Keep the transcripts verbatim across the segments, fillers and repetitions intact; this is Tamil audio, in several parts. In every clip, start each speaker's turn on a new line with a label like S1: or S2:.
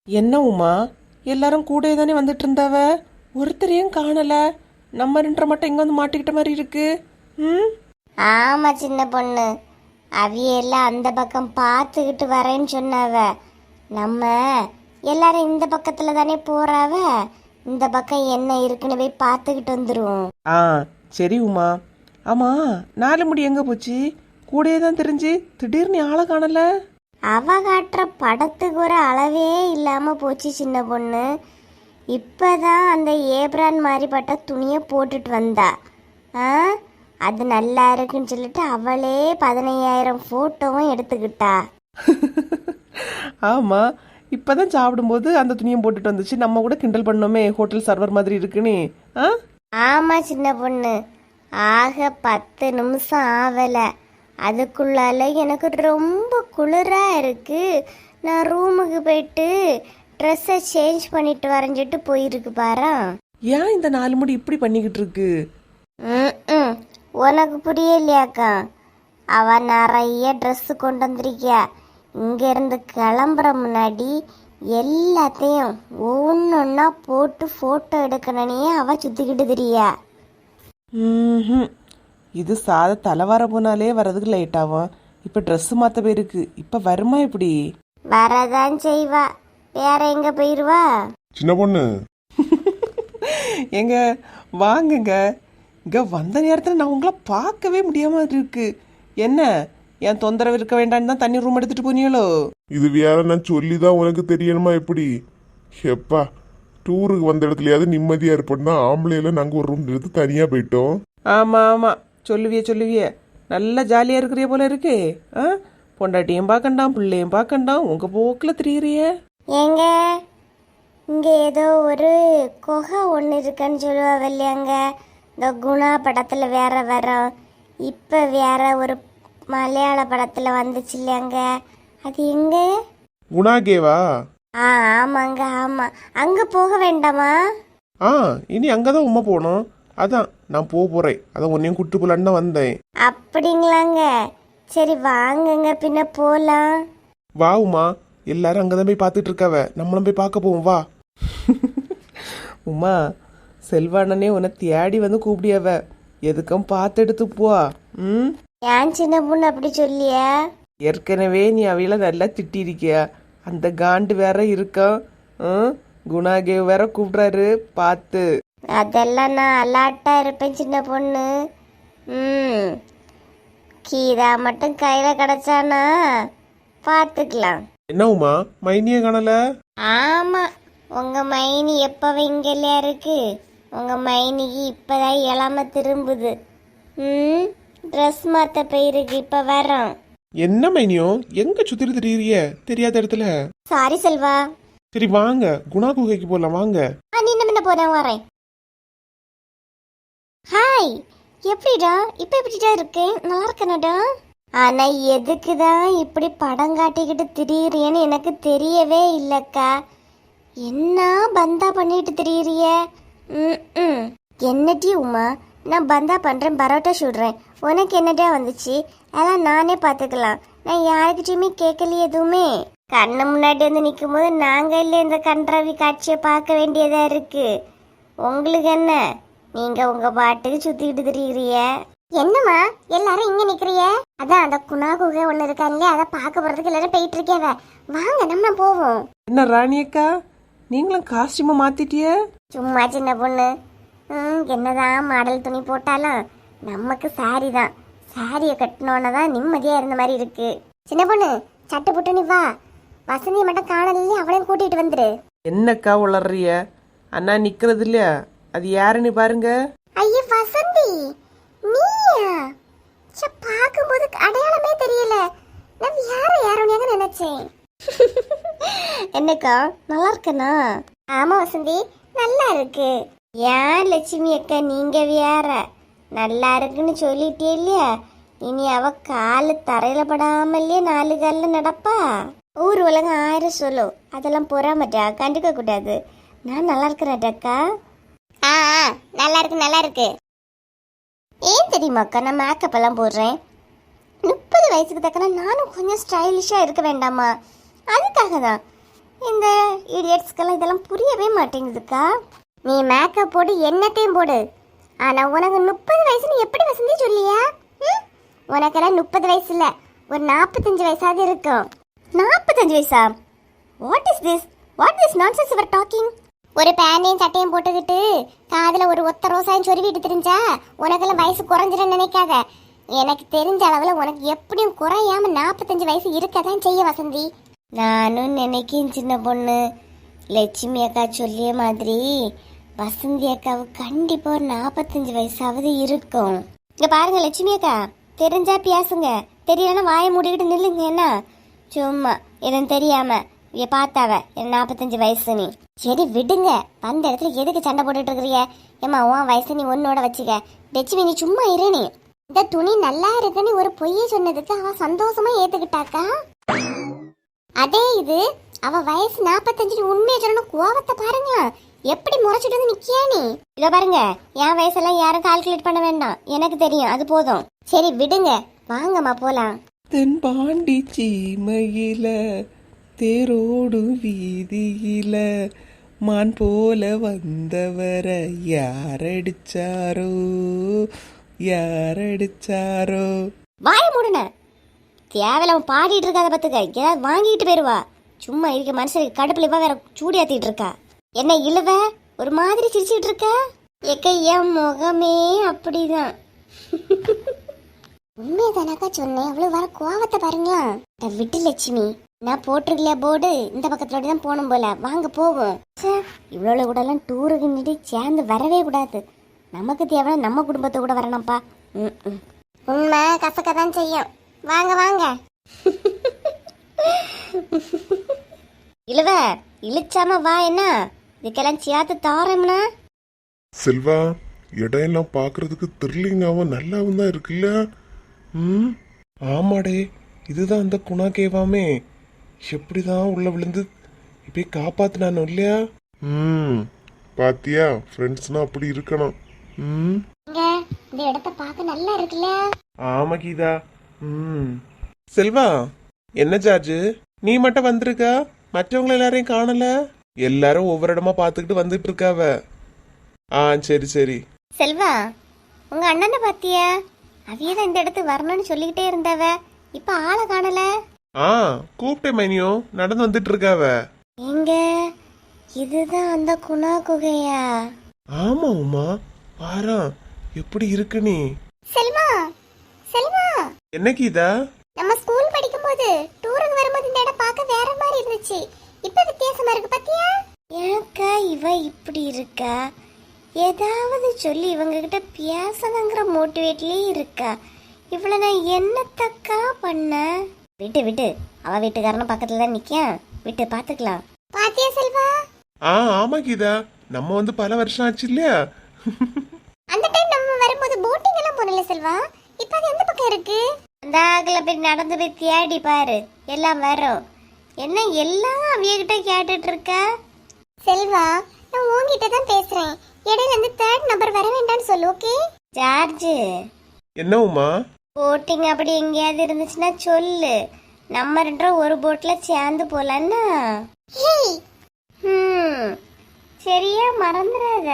S1: என்ன உமா, எல்லாரும் கூட தானே வந்துட்டு இருந்தாவ, ஒருத்தரையும் காணல. நம்ம ரெண்டரை மட்டும் எங்க வந்து மாட்டிக்கிட்ட மாதிரி இருக்கு. ம்
S2: ஆமா சின்ன பொண்ணு, அவியெல்லாம் அந்த பக்கம் பார்த்துக்கிட்டு வரேன்னு சொன்னாவ. நம்ம எல்லாரும் இந்த பக்கத்துல தானே போறாவ, இந்த பக்கம் என்ன இருக்குன்னு போய் பார்த்துக்கிட்டு வந்துருவோம்.
S1: ஆ சரி உமா. ஆமா, நாலு முடி எங்க போச்சு? கூடயே தான் தெரிஞ்சு திடீர்னு ஆளை காணல.
S2: அவ காட்டுற படத்துக்கு ஒரு அளவே இல்லாம போச்சு சின்ன பொண்ணு. இப்பதான் அந்த ஏப்ரான் மாதிரி பட்ட துணியை போட்டுட்டு வந்தா. ஆ அது நல்லா இருக்குன்னு சொல்லிட்டு அவளே பதினையாயிரம் போட்டோவும் எடுத்துக்கிட்டா.
S1: ஆமா, இப்பதான் சாப்பிடும்போது அந்த துணியை போட்டுட்டு வந்துச்சு. நம்ம கூட கிண்டல் பண்ணோமே, ஹோட்டல் சர்வர் மாதிரி இருக்குன்னு. ஆ
S2: ஆமா சின்ன பொண்ணு, ஆக பத்து நிமிஷம் ஆகல, அதுக்குள்ளால எனக்கு ரொம்ப குளிரா இருக்கு. நான் ரூமுக்கு போயிட்டு ட்ரெஸ்ஸை சேஞ்ச் பண்ணிட்டு வரைஞ்சிட்டு போயிருக்கு பாரு.
S1: ஏன் இந்த நாலு முடி இப்படி பண்ணிக்கிட்டு இருக்கு?
S2: ம் உனக்கு புரியலையாக்கா? அவ நிறைய ட்ரெஸ் கொண்டு வந்திருக்கியா. இங்க இருந்து கிளம்புற முன்னாடி எல்லாத்தையும் ஒன்னொன்னா போட்டு போட்டோ எடுக்கணுன்னே அவ சுத்திக்கிட்டு திரியா.
S1: ம் இது சாத தலைவார போனாலே வர்றதுக்கு லேட் ஆகும். இப்ப ட்ரெஸ் மாத்த போயிருக்கு. இப்ப வருமா இப்படி?
S2: வரதான் செய்வா, வேற எங்க போயிருவா?
S3: சின்ன பொண்ணு
S1: எங்க வாங்குங்க. இங்க வந்த நேரத்துல நான் உங்களை பார்க்கவே முடியாம இருக்கு. என்ன, என் தொந்தரவு இருக்க வேண்டாம்னு தான் தண்ணி ரூம் எடுத்துட்டு போனீங்களோ?
S3: இது வேற நான் சொல்லிதான் உனக்கு தெரியணுமா எப்படி? எப்பா, டூருக்கு வந்த இடத்துலயாவது நிம்மதியா இருப்போம் தான் ஆம்பளையில நாங்க ஒரு ரூம் எடுத்து தனியா போயிட்டோம்.
S1: ஆமா ஆமா, சொல்லுவிய சொல்லுவிய. நல்லா ஜாலியா இருக்கிறிய போல இருக்கு. ஆ பொண்டாட்டியும் பார்க்கண்டாம், பிள்ளையும் பார்க்கண்டாம், உங்க போக்குல திரியிறிய.
S2: ஏங்க, இங்க ஏதோ ஒரு குகை ஒன்று இருக்குன்னு சொல்லுவாங்க இல்லையாங்க, இந்த குணா படத்துல வேற வரும், இப்ப வேற ஒரு மலையாள படத்துல வந்துச்சு இல்லையாங்க, அது எங்க?
S3: குணாகேவா?
S2: ஆ ஆமாங்க ஆமா, அங்க போக வேண்டாமா?
S1: ஆ இனி அங்கதான் உமா போகணும். அதான் நான் போக போறேன். அதான் உன்னையும் கூட்டு போலான்னு தான் வந்தேன்.
S2: அப்படிங்களாங்க, சரி வாங்குங்க பின்ன போலாம்.
S1: வா உமா, எல்லாரும் அங்கதான் போய் பார்த்துட்டு இருக்காவ, நம்மளும் போய் பார்க்க போவோம் வா. உமா, செல்வானனே உன்னை தேடி வந்து கூப்பிடியாவ, எதுக்கும் பார்த்து எடுத்து போ. ம்
S2: ஏன் சின்ன பொண்ணு அப்படி சொல்லியா?
S1: ஏற்கனவே நீ அவையில நல்லா திட்டிருக்கியா, அந்த காண்டு வேற இருக்கும். ம் குணாகேவ் வேற கூப்பிடுறாரு, பார்த்து.
S2: அதெல்லாம் நான் அலாட்டா இருப்பேன் சின்ன பொண்ணு. ம் கீதா மட்டும் கையில கிடைச்சானா பார்த்துக்கலாம்.
S1: என்ன உமா, மைனியே காணல?
S2: ஆமா, உங்க மைனி எப்பவே இங்கலையா இருக்கு? உங்க மைனிக்கு இப்பதான் இளம திரும்புது. ம் ட்ரெஸ் மாத்த போயிருக்கு, இப்ப வரோம்.
S1: என்ன மைனியோ, எங்க சுத்திட்டு திரியிறிய தெரியாத இடத்துல?
S2: சாரி செல்வா.
S1: சரி வாங்க, குணா குகைக்கு போலாம் வாங்க.
S2: ஆ நீ என்ன போறேன் வரேன். ஹாய், எப்படிடா இப்ப எப்படிடா இருக்கேன்? நல்லா இருக்கனடா. ஆனா எதுக்குதான் இப்படி படம் காட்டிக்கிட்டு திரியிறியன்னு எனக்கு தெரியவே இல்லக்கா. என்ன பந்தா பண்ணிட்டு திரியிறிய? ம் என்னடி உமா, நான் பந்தா பண்றேன், பரோட்டா சுடுறேன், உனக்கு என்னடா வந்துச்சு? அதான் நானே பார்த்துக்கலாம், நான் யாருக்கிட்டையுமே கேட்கலையே எதுவுமே. கண்ணு முன்னாடி வந்து நிற்கும் போது நாங்க இல்லை இந்த கன்றாவி காட்சியை பார்க்க வேண்டியதா இருக்கு. உங்களுக்கு என்ன, நீங்க உங்க பாட்டுக்கு சுத்திக்கிட்டு திரியிறிய. என்னம்மா எல்லாரும் இங்க நிக்கிறிய? அதான் அந்த குணா குகை ஒண்ணு இருக்காங்க, அதை பார்க்க போறதுக்கு எல்லாரும் போயிட்டு இருக்கேவ. வாங்க நம்ம போவோம்.
S1: என்ன ராணியக்கா, நீங்களும் காஸ்டியூமை மாத்திட்டிய?
S2: சும்மா சின்ன பொண்ணு, ம் என்னதான் மாடல் துணி போட்டாலும் நமக்கு சாரி தான். சாரியை கட்டினோன்னு தான் நிம்மதியா இருந்த மாதிரி இருக்கு. சின்ன பொண்ணு சட்டு புட்டு நீ வா, வசந்தியை மட்டும் காணலையே, அவளையும் கூட்டிட்டு வந்துரு.
S1: என்னக்கா உளறிய? அண்ணா நிக்கிறது இல்லையா, அது யாருன்னு பாருங்க.
S2: ஐயே வசந்தி, நீயா? சே, பாக்கும்போது அடையாளமே தெரியல. நான் யார யாரோன்னு நினைச்சேன். என்னக்கா நல்லா இருக்கனா? ஆமா வசந்தி, நல்லா இருக்கு. ஏன் லட்சுமி அக்கா நீங்க வேற நல்லா இருக்குன்னு சொல்லிட்டே இல்லையா, இனி அவ காலு தரையில படாமலே நாலு கால்ல நடப்பா. ஊர் உலகம் ஆயிரம் சொல்லும், அதெல்லாம் பொறாமட்டா கண்டுக்க கூடாது. நான் நல்லா இருக்கிறேன்டாக்கா. ஆ நல்லா இருக்கு நல்லா இருக்கு. ஏன் தெரியுமாக்கா நான் மேக்கப் எல்லாம் போடுறேன்? முப்பது வயசுக்கு தக்கன நானும் கொஞ்சம் ஸ்டைலிஷா இருக்க வேண்டாமா? அதுக்காக தான். இந்த இடியட்ஸ்க்கெல்லாம் இதெல்லாம் புரியவே மாட்டேங்குதுக்கா. நீ மேக்கப் போடு, என்னத்தையும் போடு, ஆனா உனக்கு முப்பது வயசுன்னு எப்படி வசந்தி சொல்லியா? ம்? உனக்கெல்லாம் முப்பது வயசு இல்ல, ஒரு நாற்பத்தஞ்சு வயசாவது இருக்கும். நாற்பத்தஞ்சு வயசா? What is this what this nonsense you are talking? ஒரு பேனையும் சட்டையும் போட்டுக்கிட்டு காதுல ஒரு ஒத்த ரோசாயும் சொருவிட்டு தெரிஞ்சா உனக்கெல்லாம் வயசு குறைஞ்சிடும் நினைக்காத. எனக்கு தெரிஞ்ச அளவுல உனக்கு எப்படியும் குறையாம நாற்பத்தஞ்சு வயசு இருக்கதான் செய்ய வசந்தி. நானும் நினைக்கிறேன் சின்ன பொண்ணு, லட்சுமி அக்கா சொல்லிய மாதிரி வசந்தி அக்காவுக்கு கண்டிப்பா ஒரு நாற்பத்தஞ்சு வயசாவது இருக்கும். இங்க பாருங்க லட்சுமி அக்கா, தெரிஞ்சா பேசுங்க, தெரியலன்னா வாயை மூடிக்கிட்டு நில்லுங்க. என்ன சும்மா எதுவும் தெரியாம இங்க பார்த்தாவ என் நாற்பத்தஞ்சு வயசு. நீ சரி விடுங்க, வந்த இடத்துல எதுக்கு சண்டை போட்டுட்டு இருக்கிறிய? ஏமா உன் வயசு நீ ஒன்னோட வச்சுக்க. லட்சுமி நீ சும்மா இரு. நீ இந்த துணி நல்லா இருக்குன்னு ஒரு பொய்யை சொன்னதுக்கு அவ சந்தோஷமா ஏத்துக்கிட்டாக்கா. அதே இது அவ வயசு நாற்பத்தஞ்சு உண்மையை சொல்லணும், கோவத்தை பாருங்க எப்படி முறைச்சிட்டு வந்து நிக்கியா நீ. இத பாருங்க, என் வயசெல்லாம் யாரும் கால்குலேட் பண்ண வேண்டாம், எனக்கு தெரியும், அது போதும். சரி விடுங்க, வாங்கம்மா போலாம்.
S1: தென்பாண்டி சீமையில தேரோடு வீதியில மான் போல வந்தவர யாரடிச்சாரோ யாரடிச்சாரோ.
S2: வாய மூடுன, தேவையில்லாம பாடிட்டு இருக்காத பத்துக்க, ஏதாவது வாங்கிட்டு போயிருவா. சும்மா இருக்க மனுஷனுக்கு கடுப்புல இவ வேற சூடியாத்திட்டு இருக்கா. என்ன இழுவ ஒரு மாதிரி சிரிச்சுட்டு இருக்க? எக்க என் முகமே அப்படிதான். உண்மையதானாக்கா சொன்னேன், அவ்வளவு வர கோவத்தை பாருங்களா. விட்டு லட்சுமி, நான் போட்டிருக்கலையா போர்டு, இந்த பக்கத்துல தான் போகணும் போல, வாங்க போவோம். இவ்வளவு கூட எல்லாம் டூருக்கு நின்று சேர்ந்து வரவே கூடாது. நமக்கு தேவை நம்ம குடும்பத்தை கூட வரணும்ப்பா. ம் உண்மை கசக்கதான் செய்யும். வாங்க வாங்க. இழுவ இழுச்சாம வா. என்ன இதுக்கெல்லாம் சேர்த்து தாரம்னா?
S3: செல்வா, இடம் எல்லாம் பாக்குறதுக்கு த்ரில்லிங்காவும் நல்லாவும் தான் இருக்குல்ல? ம்,
S1: ஆமாடே, இதுதான் அந்த குணா கேவாமே. எப்படிதான் உள்ள விழுந்து இப்படி காப்பாத்தினானோ இல்லையா?
S3: ம், பாத்தியா, ஃப்ரெண்ட்ஸ்னா அப்படி இருக்கணும். ம்,
S2: இங்க இந்த இடத்த பார்க்க நல்லா இருக்குல்ல?
S1: ஆமா கீதா. ம் செல்வா, என்ன ஜார்ஜ் நீ மட்டும் வந்திருக்க, மற்றவங்க எல்லாரையும் காணல? எல்லாரும் ஒவ்வொரு இடமா பாத்துக்கிட்டு வந்துட்டு இருக்காவ. ஆ சரி சரி.
S2: செல்வா, உங்க அண்ணனை பாத்தியா? அவியதான் இந்த இடத்துக்கு வரணும்னு சொல்லிக்கிட்டே இருந்தவ, இப்ப ஆளை காணல.
S1: ஆ கூப்பிட்டேன் மைனியோ, நடந்து வந்துட்டு இருக்காவ.
S2: எங்க இதுதான் அந்த குணா குகையா?
S1: ஆமா உமா, பாரா எப்படி இருக்கு நீ.
S2: செல்வா செல்வா,
S1: என்ன கீதா?
S2: நம்ம ஸ்கூல் படிக்கும்போது டூருக்கு வரும்போது இந்த இடம் பார்க்க வேற மாதிரி இருந்துச்சு, இப்ப வித்தியாசமா இருக்கு பாத்தியா? ஏக்கா இவ இப்படி இருக்கா? ஏதாவது சொல்லி இவங்க கிட்ட பேசணுங்கிற மோட்டிவேட்லயே இருக்கா. இவள நான் என்னத்தக்கா பண்ண? விட்டு விட்டு, அவ வீட்டுக்காரனும் பக்கத்துல தான் நிக்கான், விட்டு பாத்துக்கலாம். பாத்தியா செல்வா?
S1: ஆ ஆமா கீதா, நம்ம வந்து பல வருஷம் ஆச்சு இல்லையா?
S2: அந்த டைம் நம்ம வரும்போது போட்டிங் எல்லாம் போனல செல்வா, இப்ப அது எந்த பக்கம் இருக்கு? அந்த ஆகல போய் நடந்து போய் தேடி பாரு, எல்லாம் வரும். என்ன எல்லாம் அவியகிட்ட கேட்டுட்டு இருக்க? செல்வா, நான் உன்கிட்ட தான் பேசுறேன், இடையில இருந்து தேர்ட் நம்பர் வர வேண்டாம்னு சொல்லு. Okay George?
S1: என்ன உமா?
S2: போட்டிங் அப்படி எங்கேயாவது இருந்துச்சுன்னா சொல்லு, நம்ம ரெண்டும் ஒரு போட்ல சேர்ந்து போலான்னா. ம் சரியா, மறந்துடாத.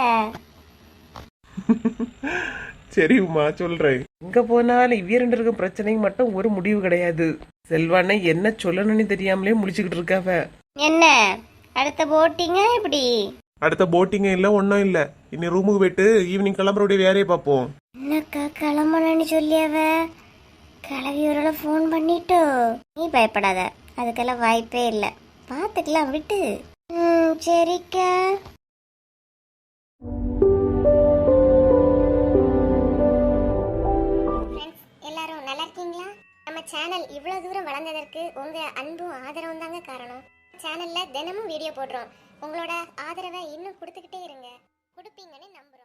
S1: சரி உமா, சொல்றேன். எங்க போனாலும் இவ்விய ரெண்டு இருக்கும் பிரச்சனைக்கு மட்டும் ஒரு முடிவு கிடையாது. செல்வானே என்ன சொல்லணும்னு தெரியாமலே முடிச்சுக்கிட்டு இருக்காவ.
S2: என்ன அடுத்த போட்டிங்க எப்படி?
S1: அடுத்த போட்டிங்க இல்ல, ஒன்னும் இல்ல. இனி ரூமுக்கு போயிட்டு ஈவினிங் கிளம்புறோடைய வேலையை பார்ப்போம்.
S2: என்னக்கா கிளம்பணும்னு சொல்லியாவ? கிளவி ஒரு ஃபோன் பண்ணிட்டோ? நீ பயப்படாத, அதுக்கெல்லாம் வாய்ப்பே இல்லை, பார்த்துக்கலாம் விட்டு. ம் சரிக்கா. எல்லாரும் நல்லா இருக்கீங்களா? நம்ம சேனல் இவ்வளவு தூரம் வளர்ந்ததற்கு உங்க அன்பும் ஆதரவும் தாங்க காரணம். சேனல்ல தினமும் வீடியோ போடுறோம், உங்களோட ஆதரவை இன்னும் கொடுத்துக்கிட்டே இருங்க, கொடுப்பீங்கன்னு நம்புறோம்.